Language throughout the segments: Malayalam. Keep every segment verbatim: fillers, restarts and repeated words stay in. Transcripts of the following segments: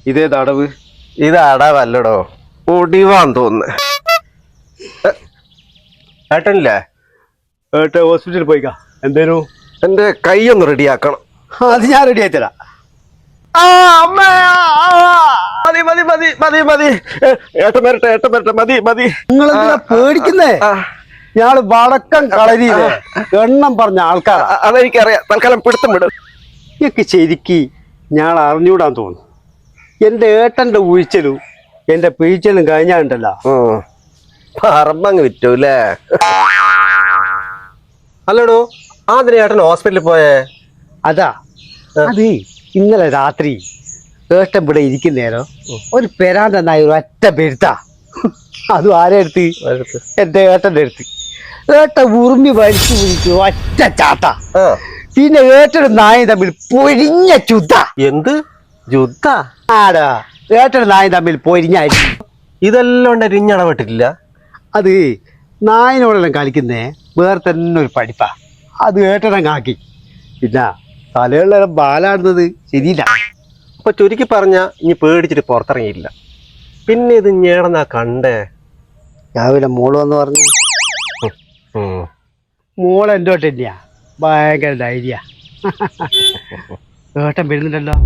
ഇതേത് അടവ്? ഇത് അടവല്ലടോ, ഒടിവാന്ന് തോന്നുന്നു. ഏട്ടനില്ലേ? ഏട്ടെ ഹോസ്പിറ്റലിൽ പോയിക്കാ. എന്തേനു? എന്റെ കൈ ഒന്ന് റെഡിയാക്കണം. അത് ഞാൻ റെഡി ആയിത്തരാ. മതി മതി മതി മതി മതി ഏട്ടൻ വരട്ടെ ഏട്ടൻ വരട്ടെ മതി മതി. നിങ്ങൾ എന്തിനാ പേടിക്കുന്നേ? ഞാള് വടക്കം കളരിയില്ലേ എണ്ണം പറഞ്ഞ ആൾക്കാർ. അതെനിക്കറിയാം. തൽക്കാലം പിടുത്തം വിടും. എനിക്ക് ശരിക്ക് ഞാൻ അറിഞ്ഞൂടാൻ തോന്നുന്നു. എന്റെ ഏട്ടന്റെ ഉഴിച്ചലും എന്റെ പിഴിച്ചലും കഴിഞ്ഞാണ്ടല്ലോ പറമ്പങ്ങ് വിറ്റൂല്ലേ? അല്ലടോ, ആദ്യം ഏട്ടൻ ഹോസ്പിറ്റലിൽ പോയേ? അതാ അത് ഇന്നലെ രാത്രി ഏട്ടൻ ഇവിടെ ഇരിക്കുന്നേരോ ഒരു പെരാന്ത നായ ഒരു ഒറ്റ പെരുത്താ. അതും ആരെ അടുത്ത്? എന്റെ ഏട്ടന്റെ അടുത്ത്. ഏട്ട ഉറുമ്പി വലിച്ചു പിടിച്ചു ഒറ്റ ചാത്ത. പിന്നെ ഏട്ടനും നായും തമ്മിൽ പൊരിഞ്ഞ ചുദ്ധ. എന്ത് യുദ്ധ? ആടാ, ഏട്ടനും നായും തമ്മിൽ പൊരിഞ്ഞായിരിക്കും. ഇതെല്ലാം ഉണ്ട് ഇരിഞ്ഞടപെട്ടിട്ടില്ല. അത് നായിനോടെല്ലാം കളിക്കുന്നേ വേറെ തന്നെ ഒരു പഠിപ്പാ. അത് ഏട്ടനങ്ങാക്കി. പിന്നെ തലയുള്ള ബാലാടുന്നത് ശരിയില്ല. അപ്പൊ ചുരുക്കി പറഞ്ഞ ഇനി പേടിച്ചിട്ട് പുറത്തിറങ്ങിയില്ല. പിന്നെ ഇത് ഞേടന്നാ കണ്ടേ? രാവിലെ മോള് വന്ന് പറഞ്ഞു. മോള് എൻ്റെ ഏട്ടൻ തന്നെയാ, ഭയങ്കര ധൈര്യ. ഏട്ടൻ വരുന്നുണ്ടല്ലോ.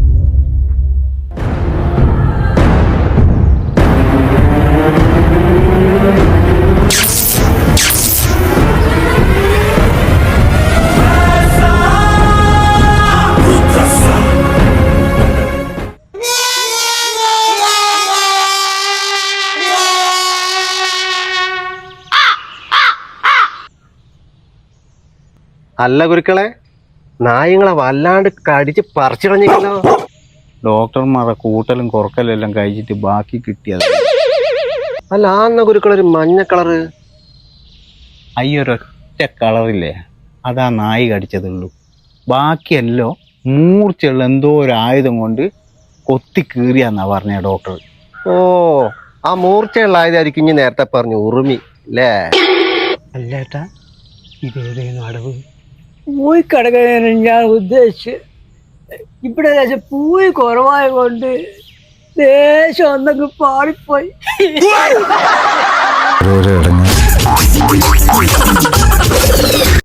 അല്ല ഗുരുക്കളെ, നായങ്ങളെ വല്ലാണ്ട് കടിച്ച് പറിച്ചിടഞ്ഞോ? ഡോക്ടർമാരുടെ കൂട്ടലും കുറക്കലും എല്ലാം കഴിച്ചിട്ട് ബാക്കി കിട്ടിയത്. അല്ല, ആന്ന ഗുരുക്കളൊരു മഞ്ഞ കളറ്. അയ്യൊരൊറ്റ കളറില്ലേ, അതാ നായി കടിച്ചതുള്ളൂ. ബാക്കിയല്ലോ മൂർച്ചയുള്ള എന്തോ ഒരു ആയുധം കൊണ്ട് കൊത്തി കീറിയാന്നാ പറഞ്ഞ ഡോക്ടർ. ഓ, ആ മൂർച്ചയുള്ള ആയുധമായിരിക്കും ഇനി നേരത്തെ പറഞ്ഞു ഉറുമി അല്ലേ? അല്ലേട്ടാ, ഇതേതേനും അടവ്? പൂയി കിടക്കാനാണ് ഞാൻ ഉദ്ദേശിച്ച്. ഇവിടെ ദേശം പൂയി കുറവായ കൊണ്ട് ദേശം ഒന്നൊക്കെ പാടിപ്പോയി.